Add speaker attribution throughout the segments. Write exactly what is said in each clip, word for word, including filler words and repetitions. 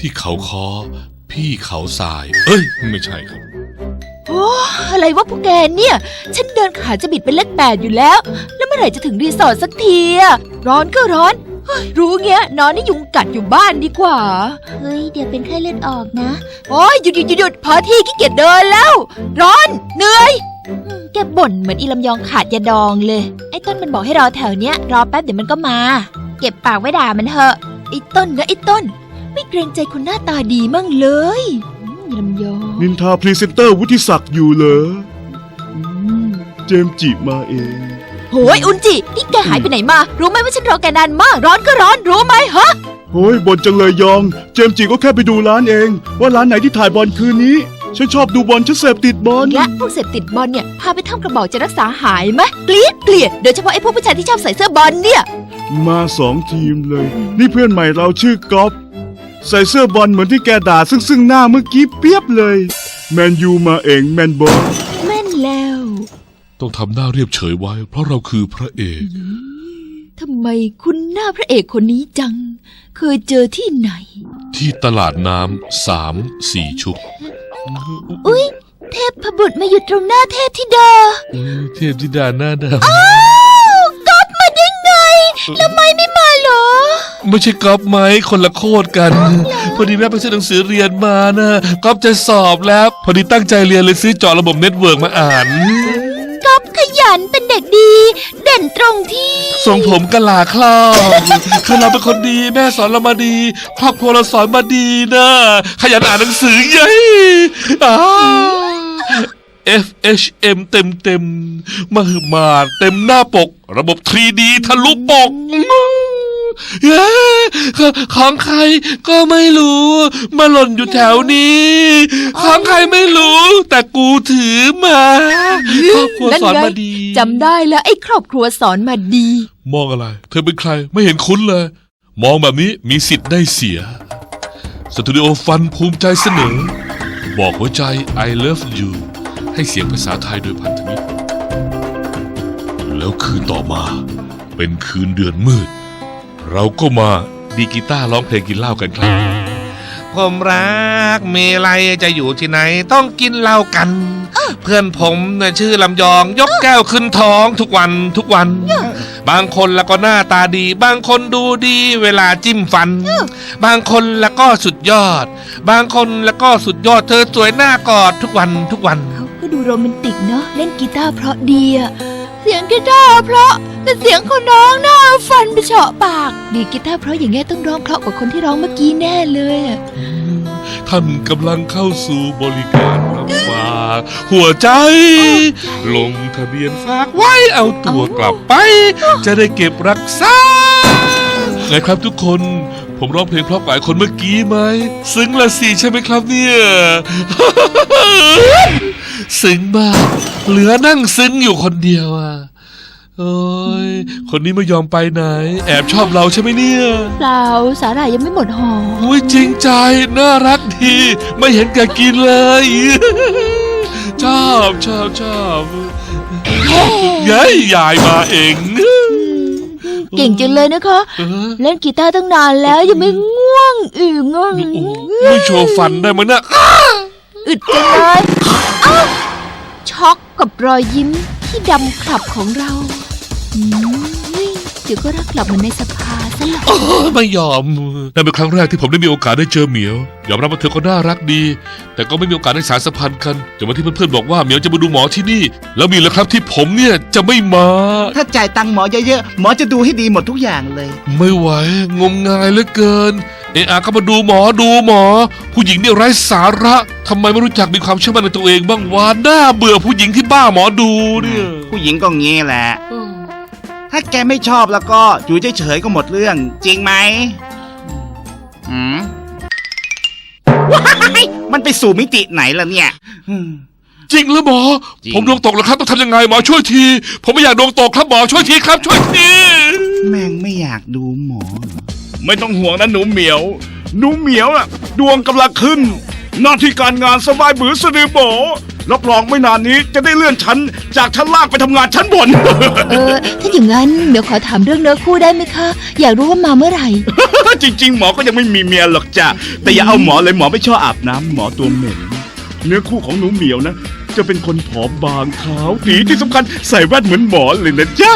Speaker 1: ที่เขาคอพี่เขาทรายเอ้ยไม่ใช่ครับ
Speaker 2: โอ้อะไรวะพวกแกเนี่ยฉันเดินขาจะบิดเป็นเลขแปดอยู่แล้วแล้วเมื่อไหร่จะถึงรีสอร์ทสักทีอะร้อนก็ร้อนเฮ้ยรู้เงี้ยนอนนี่ยุงกัดอยู่บ้านดีกว่าเฮ้ยเดี๋ยวเป็นไข้เลือดออกนะโอ้ยหยุดหยุดหยุดพอที่ขี้เกียจเดินแล้วร้อนเหนื่อยแกบ่นเหมือนอีลำยองขาดยาดองเลยไอ้ต้นมันบอกให้รอแถวเนี้ยรอแป๊บเดี๋ยวมันก็มาเก็บปากไว้ด่ามันเถอะไอ้ต้นนะไอ้ต้นไม่เกรงใจคนหน้าตาดีมั่งเลยลำยอง
Speaker 3: นินทาพรีเซนเตอร์วุฒิศักดิ์อยู่เหรอเจมจิมาเอง
Speaker 2: โหยอุนจินี่แกหายไปไหนมารู้ไหมว่าฉันรอแกนานมากร้อนก็ร้อนรู้ไหมฮะ
Speaker 3: โอ้ยบ่นจังเลยยองเจมจิก็แค่ไปดูร้านเองว่าร้านไหนที่ถ่ายบอลคืนนี้ฉันชอบดูบอลฉันเสพติดบอล
Speaker 2: และพวกเสพติดบอลเนี่ยพาไปทำกระบอกจะรักษาหายไหมเกลียดเกลียดโดยเฉพาะไอ้พวกผู้ชายที่ชอบใส่เสื้อบอลเนี่ย
Speaker 3: มาสองทีมเลยนี่เพื่อนใหม่เราชื่อก๊อฟใส่เสื้อบอลเหมือนที่แกด่าซึ่งซึ่งหน้าเมื่อกี้เปียบเลยแมนยูมาเองแมนบอล
Speaker 2: แม่นแล้ว
Speaker 1: ต้องทำหน้าเรียบเฉยไว้เพราะเราคือพระเอก
Speaker 2: ทำไมคุณหน้าพระเอกคนนี้จังเคยเจอที่ไหน
Speaker 1: ที่ตลาดน้ำสามสี่ชุก
Speaker 2: อุ๊ยเทพพบุตรมาอยู่ตรงหน้าเทพธิดา
Speaker 1: เทพธิดาหน้าด
Speaker 2: ำอ้าวก๊อฟมาได้ไงแล้วไม่ไม่มาเหรอ
Speaker 1: ไม่ใช่ก๊อฟไหมคนละโคตรกันพอดีแม่ไปซื้อหนังสือเรียนมานะก๊อฟจะสอบแล้วพอดีตั้งใจเรียนเลยซื้อเจาะระบบเน็ตเวิร์กมาอ่าน
Speaker 2: ก๊อฟขยันเป็นเด็กดีเด่นตรงที่
Speaker 1: ทรงผมกะลาครอบคือเราเป็นคนดีแม่สอนเรามาดีครอบครัวเราสอนมาดีนะขยันอ่านหนังสือเย้อ้า เอฟ เอช เอ็ม เต็มเต็มมหึมาเต็มหน้าปกระบบ ทรี ดี ทะลุปกเย้ของใครก็ไม่รู้มาหล่นอยู่แถวนี้ของใครไม่รู้แต่กูถือมาครอบครัวสอนมาดี
Speaker 2: จำได้แล้วไอ้ครอบครัวสอนมาดี
Speaker 1: มองอะไรเธอเป็นใครไม่เห็นคุ้นเลยมองแบบนี้มีสิทธิ์ได้เสียสตูดิโอฟันภูมิใจเสนอบอกหัวใจ I love you ให้เสียงภาษาไทยโดยพันธมิตรแล้วคืนต่อมาเป็นคืนเดือนมืดเราก็มาดีกีตาร์ร้องเพลงกินเหล้ากันครับ
Speaker 4: ผมรักเมลัยจะอยู่ที่ไหนต้องกินเหล้ากันเพื่อนผมเนี่ยชื่อลำยองยกแก้วขึ้นท้องทุกวันทุกวันบางคนแล้วก็หน้าตาดีบางคนดูดีเวลาจิ้มฟันบางคนแล้วก็สุดยอดบางคนแล้วก็สุดยอดเธอสวยหน้ากอดทุกวันทุกวัน
Speaker 2: เขาก็ดูโรแมนติกเนาะเล่นกีตาร์เพราะดีอะเสียงกีตาร์เพราะแต่เสียงคนร้องน่าฟันไปเฉาะปากดีกีตาร์เพราะอย่างเงี้ยต้องร้องเพราะกว่าคนที่ร้องเมื่อกี้แน่เลยอะ
Speaker 1: ท่านกำลังเข้าสู่บริการรับฝากหัวใจลงทะเบียนฝากไว้เอาตัวกลับไปจะได้เก็บรักษาไงครับทุกคนผมร้องเพลงเพราะกว่าคนเมื่อกี้ไหมซึ้งละสิใช่ไหมครับเนี่ยซึ้งมากเหลือนั่งซึ้งอยู่คนเดียวอ่ะโอ้ยคนนี้ไม่ยอมไปไหนแอบชอบเราใช่ไหมเนี่ย
Speaker 2: เปล่าสาหร่ายยังไม่หมดห่อ
Speaker 1: โอ้ยจริงใจน่ารักดีไม่เห็นแกกินเลยชอบชอบชอบยัยยายมาเอง
Speaker 2: เก่งจังเลยนะคะเล่นกีตาร์ตั้งนานแล้วยังไม่ง่วงอีกง่วง
Speaker 1: ไม่โชว์ฟันได้ไหมเนี่ย
Speaker 2: อึดจังเลยช็อกกับรอยยิ้มที่ดำขลับของเราเดี๋ยวก็รักกลับมาในสภาซะแล้ว
Speaker 1: ไม่ยอมนั่นเป็นครั้งแรกที่ผมได้มีโอกาสได้เจอเหมียวยอมรับว่าเธอก็น่ารักดีแต่ก็ไม่มีโอกาสได้สานสัมพันธ์กันจนวันที่เพื่อนๆบอกว่าเหมียวจะมาดูหมอที่นี่แล้วมีแล้วครับที่ผมเนี่ยจะไม่มา
Speaker 5: ถ้าจ่ายตังค์หมอเยอะๆหมอจะดูให้ดีหมดทุกอย่างเลย
Speaker 1: ไม่ไหวงมงายเหลือเกินเออาก็มาดูหมอดูหมอผู้หญิงเนี่ยไร้สาระทำไมไม่รู้จักมีความเชื่อมั่นในตัวเองบ้างวะน่าเบื่อผู้หญิงที่บ้าหมอดูเนี่ย
Speaker 5: ผู้หญิงก็งี้แหละถ้าแกไม่ชอบแล้วก็อยู่เฉยๆก็หมดเรื่องจริงไหมอืมว้ายมันไปสู่มิติไหนล่ะเนี่ย
Speaker 1: จริงหรือหมอผมดวงตกแล้วครับต้องทำยังไงหมอช่วยทีผมไม่อยากดวงตกครับหมอช่วยทีครับช่วยที
Speaker 5: แม่งไม่อยากดูหมอ
Speaker 3: ไม่ต้องห่วงนะหนูเหมียวหนูเหมียวน่ะดวงกำลังขึ้นหน้าที่การงานสบายบือสะดือโบรับรองไม่นานนี้จะได้เลื่อนชั้นจากชั้นล่างไปทำงานชั้นบน
Speaker 2: เออ ถ้าอย่างนั้นเดี๋ยวขอถามเรื่องเนื้อคู่ได้ไหมคะ อยากรู้ว่ามาเมื่อไหร่
Speaker 3: จริง ๆ หมอก็ยังไม่มีเมียหรอกจ้ะแต่อย่าเอาหมอเลยหมอไม่ชอบอาบน้ำหมอตัวเหม็นเนื้อคู่ของหนูเหมียวนะ จะเป็นคนผอมบางขาวตีที่สำคัญใส่แว่นเหมือนหมอเลยนะจ๊ะ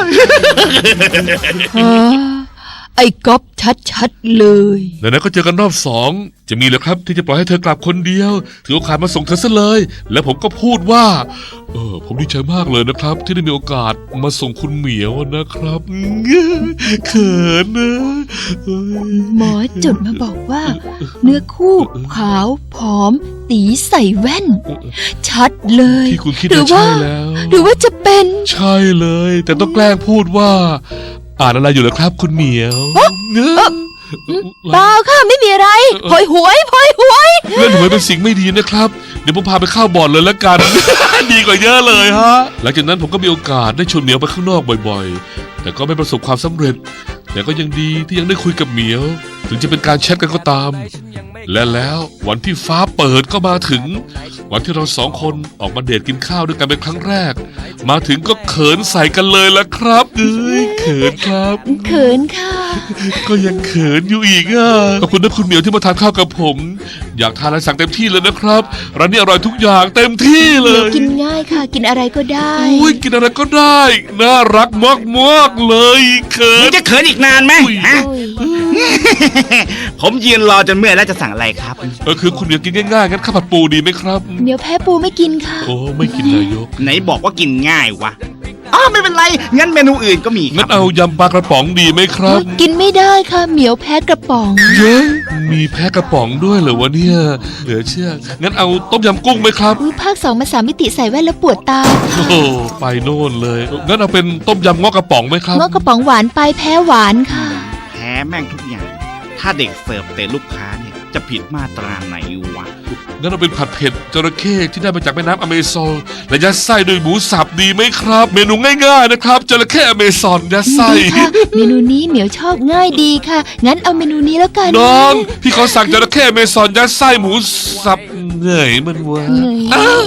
Speaker 2: ไอ้ก๊อฟชัดๆเลย
Speaker 1: ไหนๆก็เจอกันรอบสองจะมีเหรอครับที่จะปล่อยให้เธอกลับคนเดียว ถือโอกาสมาส่งเธอซะเลย แล้วผมก็พูดว่า เออผมดีใจมากเลยนะครับ ที่ได้มีโอกาสมาส่งคุณเหมียวนะครับเขินนะเอ้ย
Speaker 2: หมอจดมาบอกว่า เนื้อคู่ขาวผอม ตีใส่แว่น ชัดเลย
Speaker 1: ที่คุณคิด
Speaker 2: หรื
Speaker 1: น่ะ
Speaker 2: ว่า
Speaker 1: ใช่แล้ว
Speaker 2: หรือว่าจะเป็น
Speaker 1: ใช่เลย แต่ต้องแกล้งพูดว่า อ่านอะไรอยู่เหรอครับคุณเหมียวเนอะ
Speaker 2: เปล่าค่ะไม่มีอะไรพลอยหวยพลอยหวย
Speaker 1: เล่นหวยเป็นสิ่งไม่ดีนะครับ เดี๋ยวผมพาไปเข้าบ่อนเลยละกัน ดีกว่าเยอะเลยฮะ หลังจากนั้นผมก็มีโอกาสได้ชวนเหมียวไปข้างนอกบ่อยๆ แต่ก็ไม่ประสบความสำเร็จ แต่ก็ยังดีที่ยังได้คุยกับเหมียว ถึงจะเป็นการแชทกันก็ตาม และแล้ววันที่ฟ้าเปิดก็มาถึง วันที่เราสองคนออกมาเดทกินข้าวด้วยกันเป็นครั้งแรก มาถึงก็เขินใส่กันเลยละครับเอ้ยเขินครับ
Speaker 2: เขินค่ะ
Speaker 1: ก็ยังเขินอยู่อีกอ่ะขอบคุณนะคุณเหมียวที่มาทานข้าวกับผม อยากทานอะไรสั่งเต็มที่เลยนะครับร้านนี้อร่อยทุกอย่างเต็มที่เล
Speaker 2: เดี๋ยวย กินง่ายค่ะ กินอะไรก็ได้
Speaker 1: อุ้ยกินอะไรก็ได้ น่ารักมากๆเลยเขิ
Speaker 5: มึ
Speaker 1: น
Speaker 5: งจะเขินอีกนานไหม
Speaker 1: อุ้ย
Speaker 5: ฮะ
Speaker 2: โอ้ย
Speaker 5: ผมยืนรอจนเมื่อยแล้วจะสั่งอะไรครับ
Speaker 1: เออคือคุณเหมียวกินง่ายๆงั้นข้าวผัดปูดีไหมครับ
Speaker 2: เหมียวแพ้ปูไม่กินค่ะ
Speaker 1: โอ้ไม่กินนายก
Speaker 5: ไหนบอกว่ากินง่ายวะอ๋อไม่เป็นไร งั้นเมนูอื่นก็มีค
Speaker 1: งั้
Speaker 5: รั
Speaker 1: น
Speaker 5: บ
Speaker 1: เอายำปลากระป๋องดีไหมครับ
Speaker 2: กินไม่ได้ค่ะ เหมียวแพ้กระป๋อง
Speaker 1: เย้มีแพ้กระป๋องด้วยเหรอวะเนี่ยเหลือเชื่องั้นเอาต้มยำกุ้งไหมครับ
Speaker 2: อุ้ยภาคสองมาสามมิติใส่แว่นแล้วปวดตา
Speaker 1: โอ้โหไปโน่นเลยงั้นเอาเป็นต้มยำงอกกระป๋องไหมครับ
Speaker 2: เงาะกระป๋องหวานไปแพ้หวานค่ะ
Speaker 5: แพ้แม่งทุกอย่าง ถ้าเด็กเสิร์ฟเตะลูกค้าเนี่ย จะผิดมาตราไหนวะ
Speaker 1: งั้นเราเป็นผัดเผ็ดจระเข้ที่ได้มาจากแม่น้ำอเมซอนและยัดไส้ด้วยหมูสับดีไหมครับ เมนูง่ายๆนะครับจระเข้อเมซอนยัดไส้
Speaker 2: ดีค่ะ เมนูนี้เหมียวชอบง่ายดีค่ะ งั้นเอาเมนูนี้แล้วกัน
Speaker 1: น้อง พี่ขอสั่งจระเข้อเมซอนยัดไส้หมูสับเหนื่อยมันวะ
Speaker 2: เหนื่อย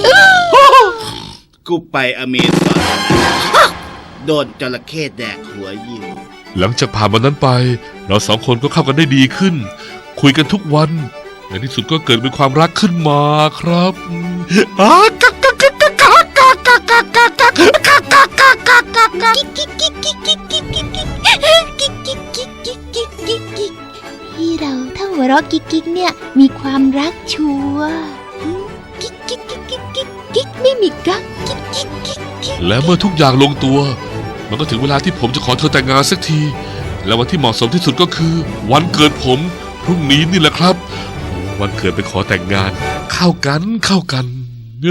Speaker 5: กูไปอเมซอนโดนจระเข้แดกหัวยิง
Speaker 1: หลังจากผ่านวันนั้นไป เราสองคนก็เข้ากันได้ดีขึ้น คุยกันทุกวันในที่สุดก็เกิดเป็นความรักขึ้นมาครับอ้ากักกักกักกักกักกักกักกักกักกักกักกักกักกักกักกัก
Speaker 2: กิ๊กกิ๊กกิ๊กกิ๊กกิ๊กกิ๊กกิ๊กกิ๊กกิ๊กกิ๊กกิ๊กกิ๊กกิ๊กกิ๊กพี่เราถ้าหัวเราะกิ๊กกิ๊กเนี่ยมีความรักชัวร์กิ๊กกิ๊กกิ๊กกิ๊กกิ๊กกิ๊กไม่มีกักกิ๊กกิ๊กกิ๊กกิ๊ก
Speaker 1: และเมื่อทุกอย่างลงตัว มันก็ถึงเวลาที่ผมจะขอเธอแต่งงานสักที และวันที่เหมาะสมที่สุดก็คือ วันเกิดผมพรุ่งนี้นี่แหละครับโอ้วันเกิดไปขอแต่งงาน เข้ากันเข้ากันเอ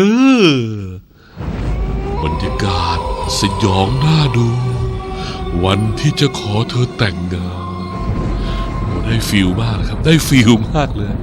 Speaker 1: อบรรยากาศสยองน่าดู วันที่จะขอเธอแต่งงานโอ้ได้ฟิลมากนะครับ ได้ฟิลมากเลย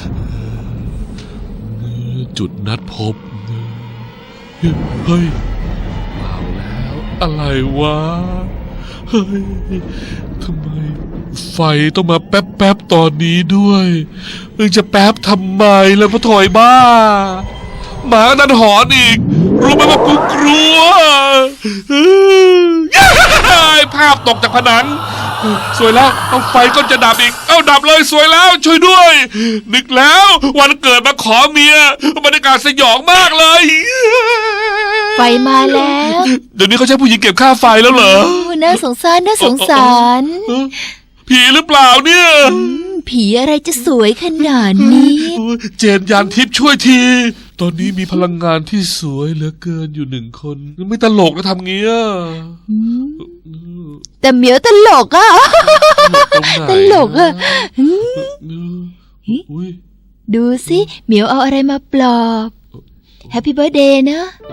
Speaker 1: เออจุดนัดพบเฮ้ย เอาแล้วอะไรวะ เฮ้ย ทำไม ไฟต้องมาแป๊บแป๊บๆตอนนี้ด้วยมึงจะแป๊บทำไมแล้วพะถอยบ้า หมานั่นหอนอีก รู้ไหมว่ากูกลัวเฮ้ยภาพตกจากผนัง สวยแล้ว เอาไฟก็จะดับอีก เอาดับเลยสวยแล้ว ช่วยด้วย นึกแล้ว วันเกิดมาขอเมียบรรยากาศสยองมากเลย
Speaker 2: ไฟมาแล้ว
Speaker 1: เดี๋ยวนี้เขาใช้ผู้หญิงเก็บค่าไฟแล้วเหรอ
Speaker 2: โอ้น่าสงสารน่าสงสาร
Speaker 1: เอ้อผีหรือเปล่าเนี่ย
Speaker 2: อืมผีอะไรจะสวยขนาดนี้
Speaker 1: โอ้ยเจนยานทิพย์ช่วยที ตอนนี้มีพลังงานที่สวยเหลือเกินอยู่หนึ่งคน ไม่ตลกนะทำเงี้ย
Speaker 2: อืมแต่เหมียวตลกอ่ะ
Speaker 1: ตรงไหน
Speaker 2: ตลกอะอืม
Speaker 1: อุ้ย
Speaker 2: ดูสิเหมียวเอาอะไรมาปลอบแฮปปี้เบิร์ดเดย์นะ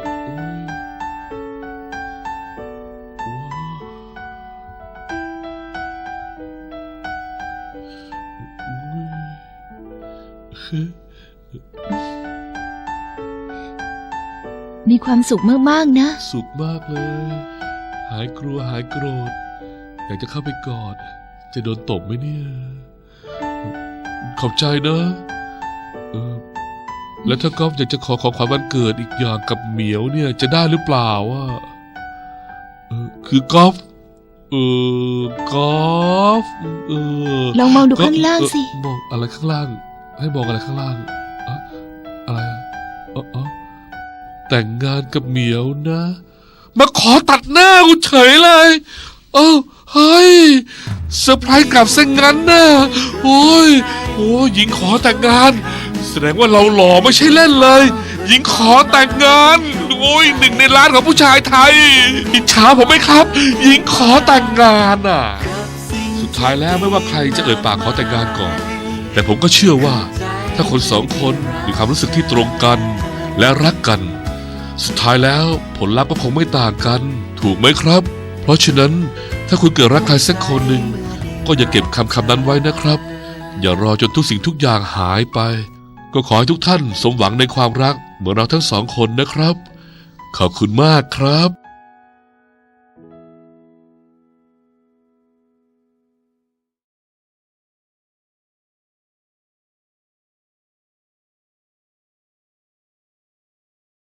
Speaker 2: มีความสุขมากๆนะ
Speaker 1: สุขมากเลย หายกลัวหายโกรธ อยากจะเข้าไปกอด จะโดนตบไหมเนี่ย ขอบใจนะเออแล้วถ้ากอล์ฟอยากจะขอของขวัญวันเกิดอีกอย่างกับเหมียวเนี่ยจะได้หรือเปล่าอ่ะเออคือกอล์ฟเออกอล์ฟเออ
Speaker 2: ลองมองดูข้างล่างสิ
Speaker 1: เออมองอะไรข้างล่าง ให้มองอะไรข้างล่างอะอะไรอะเออเออแต่งงานกับเหมียวนะ มาขอตัดหน้ากูเฉยเลยเอ้าเฮ้ยเซอร์ไพรส์กลับเส้นงั้นนะโอ้ยโอ้ยหญิงขอแต่งงาน แสดงว่าเราหล่อไม่ใช่เล่นเลย หญิงขอแต่งงานโอ้ยหนึ่งในล้านของผู้ชายไทยอิจฉาผมไหมครับ หญิงขอแต่งงานอ่ะ สุดท้ายแล้วไม่ว่าใครจะเอ่ยปากขอแต่งงานก่อน แต่ผมก็เชื่อว่า ถ้าคนสองคนมีความรู้สึกที่ตรงกัน และรักกัน สุดท้ายแล้วผลลัพธ์ก็คงไม่ต่างกัน ถูกไหมครับ เพราะฉะนั้นถ้าคุณเกิดรักใครสักคนหนึ่งก็อย่าเก็บคำคำนั้นไว้นะครับ อย่ารอจนทุกสิ่งทุกอย่างหายไป ก็ขอให้ทุกท่านสมหวังในความรักเหมือนเราทั้งสองคนนะครับ ขอบคุณมากครับ